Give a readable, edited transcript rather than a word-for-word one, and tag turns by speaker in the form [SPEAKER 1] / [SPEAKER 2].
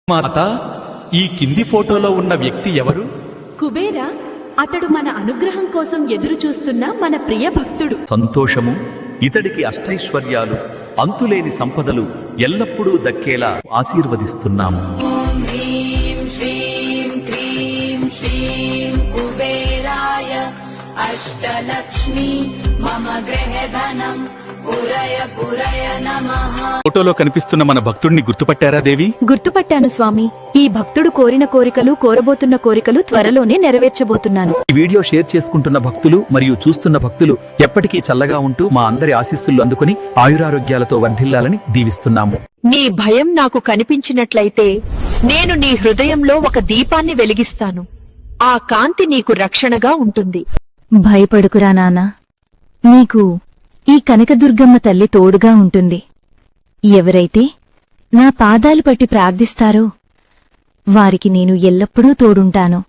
[SPEAKER 1] మాత, ఈ కింది ఫోటోలో ఉన్న వ్యక్తి ఎవరు?
[SPEAKER 2] కుబేరా, అతడు మన అనుగ్రహం కోసం ఎదురు చూస్తున్న మన ప్రియ భక్తుడు.
[SPEAKER 3] సంతోషము, ఇతడికి అష్టైశ్వర్యాలు, అంతులేని సంపదలు ఎల్లప్పుడూ దక్కేలా ఆశీర్వదిస్తున్నాము.
[SPEAKER 4] ఓం హ్రీం శ్రీం క్రీం శ్రీం కుబేరాయ అష్టలక్ష్మి మమ గృహధనం పురయ పురయ నమః.
[SPEAKER 1] ఫోటోలో కనిపిస్తున్న మన భక్తుడిని గుర్తుపట్టారా దేవి?
[SPEAKER 2] గుర్తుపట్టాను స్వామి. ఈ భక్తుడు కోరిన కోరికలు, కోరబోతున్న కోరికలు త్వరలోనే నెరవేర్చబోతున్నాను.
[SPEAKER 3] ఈ వీడియో షేర్ చేసుకుంటున్న భక్తులు మరియు చూస్తున్న భక్తులు ఎప్పటికీ చల్లగా ఉంటూ మా అందరి ఆశీస్సులు అందుకుని ఆయురారోగ్యాలతో వర్ధిల్లాలని దీవిస్తున్నాము.
[SPEAKER 5] నీ భయం నాకు కనిపించినట్లయితే నేను నీ హృదయంలో ఒక దీపాన్ని వెలిగిస్తాను. ఆ కాంతి నీకు రక్షణగా ఉంటుంది.
[SPEAKER 6] భయపడుకురా నాన్నా, నీకు ఈ కనకదుర్గమ్మ తల్లి తోడుగా ఉంటుంది. ఎవరైతే నా పాదాలు పట్టి ప్రార్థిస్తారో వారికి నేను ఎల్లప్పుడూ తోడుంటాను.